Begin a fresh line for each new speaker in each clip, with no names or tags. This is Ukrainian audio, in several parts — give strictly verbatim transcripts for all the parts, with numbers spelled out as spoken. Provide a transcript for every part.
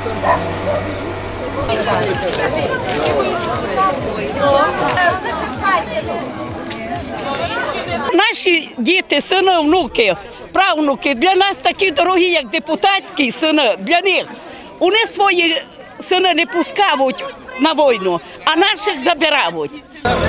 Наші діти, сини, внуки, правнуки для нас такі дорогі, як депутатські сини, для них. Вони свої сини не пускають на війну, а наших забирають.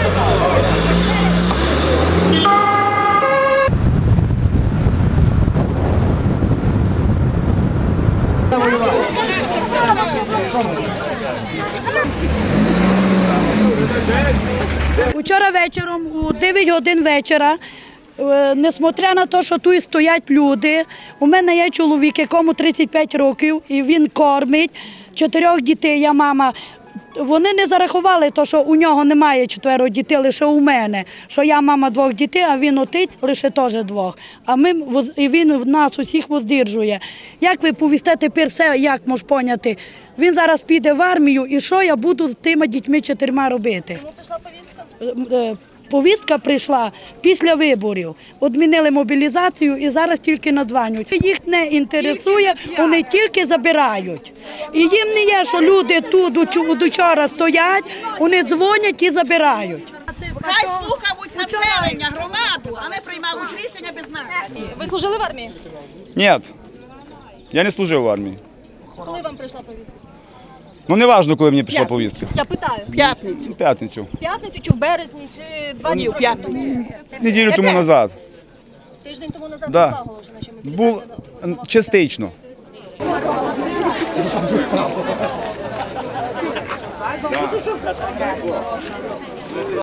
Вчора вечором, у дев'ять годин вечора, несмотря на те, що тут стоять люди, у мене є чоловік, якому тридцять п'ять років, і він кормить чотирьох дітей, я мама. Вони не зарахували те, що у нього немає чотирьох дітей, лише у мене, що я мама двох дітей, а він отець лише теж двох. А ми, і він нас усіх воздержує. Як ви повісте тепер все, як можеш поняти? Він зараз піде в армію, і що я буду з тими дітьми чотирма робити?
Кому прийшла повістка?
Повістка прийшла після виборів. Відмінили мобілізацію і зараз тільки надзванюють. Їх не інтересує, вони тільки забирають. І їм не є, що люди тут до вчора стоять, вони дзвонять і забирають.
Хай слухають населення, громаду, а не приймають рішення без нас.
Ви служили в армії?
Ні, я не служив в армії.
Коли вам прийшла повістка?
Ну не важливо, коли мені прийшла повістка.
Я питаю.
П'ятницю.
В п'ятницю.
В п'ятницю чи в березні, чи два дні?
в п'ятницю.
Неділю тому назад.
Тиждень тому назад
Да.
була оголошена, що
Був
мобілізація.
частично.